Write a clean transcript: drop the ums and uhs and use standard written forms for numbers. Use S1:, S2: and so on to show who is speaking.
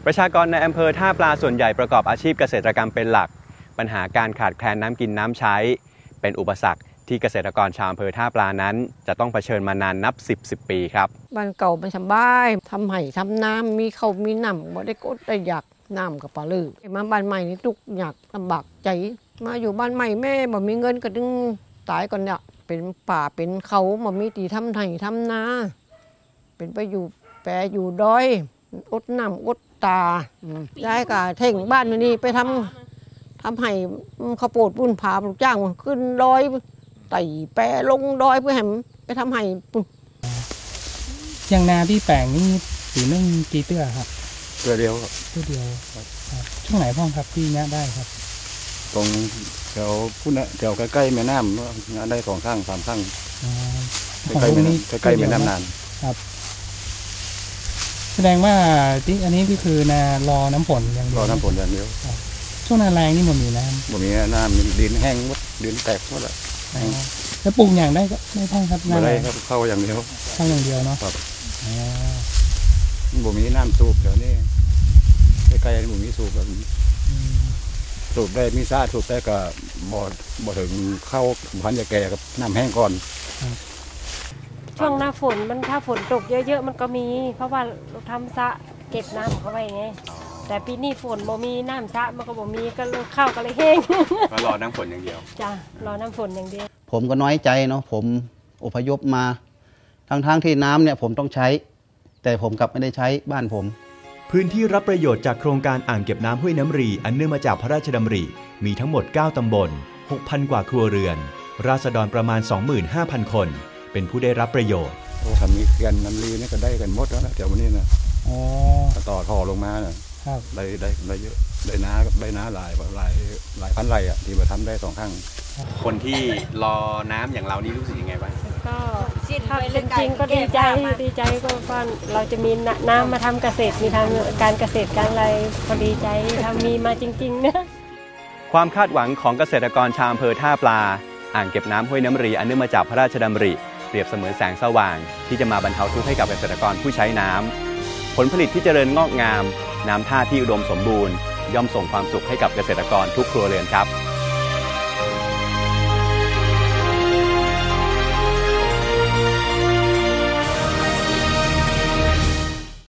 S1: ประชากรในอำเภอท่าปลาส่วนใหญ่ประกอบอาชีพเกษตรกรรมเป็นหลักปัญหาการขาดแคลนน้ำกินน้ำใช้เป็นอุปสรรคที่เกษตรกรชาวอำเภอท่าปลานั้นจะต้องเผชิญมานานนับ10 ปีครับ
S2: บ้านเก่ามันสบายทำไห่ทำน้ำมีเขามีน้ำบ่ได้กดได้อยากน้ำกับปลาลือมาบ้านใหม่นี่ทุกอยากลำบากใจมาอยู่บ้านใหม่แม่บ่มีเงินก็ดึงตายก่อนเนี่ยเป็นป่าเป็นเขาบ่มีตีทำไห่ทำนาเป็นไปอยู่แปรอยู่ดอยอดน้ำอดตาย้ายกับเท่งบ้านนี่ไปทำไห่ข้าวโพดปุ้นผาลูกจ้างขึ้นดอยไต่แปรลงดอยเพื่อให้ไปทำไห่
S3: อย่างนาที่แปลงนี่ถือนึ่งกี่เตื้อครับ
S4: เตื้อเดียวครับ
S3: เตื้อเดียวช่วงไหนพ่อครับที่นี้ได้ครับ
S4: ตรงแถวพุ่นนะแถวใกล้ๆแม่น้ำงานได้2 ข้าง 3 ข้างใกล้ๆแม่น้ำนาน
S3: ครับแสดงว่าที่อันนี้ก็คือนา รอน้ำฝนอย่างเดียว
S4: รอน้ำฝนอย่างเดียว
S3: ช่วงนาแรงนี่มันมีน้ำ
S4: มันมีน้ำดินแห้งหมดดินแตกหมดเลย
S3: แล้วปลูกอย่างได้ก็ไม่ต้องครับ
S4: ไม่ได้ครับเข้าอย่างเดียว
S3: เนาะ
S4: บ่มีน้ำสูบเดี๋ยวนี้ใกล้ๆบ่มีสูบแบบสูบได้มีซ่าสูบได้ก็บ่ถึงเข้าพันจะแก่กับน้ำแห้งก่อน
S5: ช่วงหน้าฝนมันถ้าฝนตกเยอะๆมันก็มีเพราะว่าเราทำสระเก็บน้ำเข้าไว้ไงแต่ปีนี้ฝนบ่มีน้ำสระมันก็บ่มีก็ข้าวก็เลยแห้ง
S1: ก็รอน้ำฝนอย่างเดียว
S5: จ้ารอน้ำฝนอย่างเดียว
S6: ผมก็น้อยใจเนาะผมอพยพมาทั้งที่น้ำเนี่ยผมต้องใช้แต่ผมกลับไม่ได้ใช้บ้านผม
S7: พื้นที่รับประโยชน์จากโครงการอ่างเก็บน้ำห้วยน้ำรีอันเนื่องมาจากพระราชดำริมีทั้งหมด9 ตำบล 6,000 กว่าครัวเรือนราษฎรประมาณ 25,000 คนเป็นผู้ได้รับประโยชน์
S4: ทำนี้กันน้ำรีนี่ก็ได้กันหมดแล้วนะเดี๋ยววันนี้นะต่อท่อลงมานะได้เยอะได้น้าหลายพันไร่อะที่มาทำได้2 ข้าง
S1: คนที่รอน้ำอย่างเรานี่รู้สึกยังไงบ้าง
S5: ก็ถ้าเป็นจริงก็ดีใจก็ว่าเราจะมีน้ำมาทำเกษตรมีทำการเกษตรการอะไรพอดีใจทำมีมาจริงๆนะ
S1: ความคาดหวังของเกษตรกรชาวอำเภอท่าปลาอ่างเก็บน้ำห้วยน้ำรีอันเนื่องมาจากพระราชดำริเปรียบเสมือนแสงสว่างที่จะมาบรรเทาทุกข์ให้กับเกษตรกรผู้ใช้น้ำผลผลิตที่เจริญงอกงามน้ำท่าที่อุดมสมบูรณ์ย่อมส่งความสุขให้กับเกษตรกรทุกครัวเรือนครับ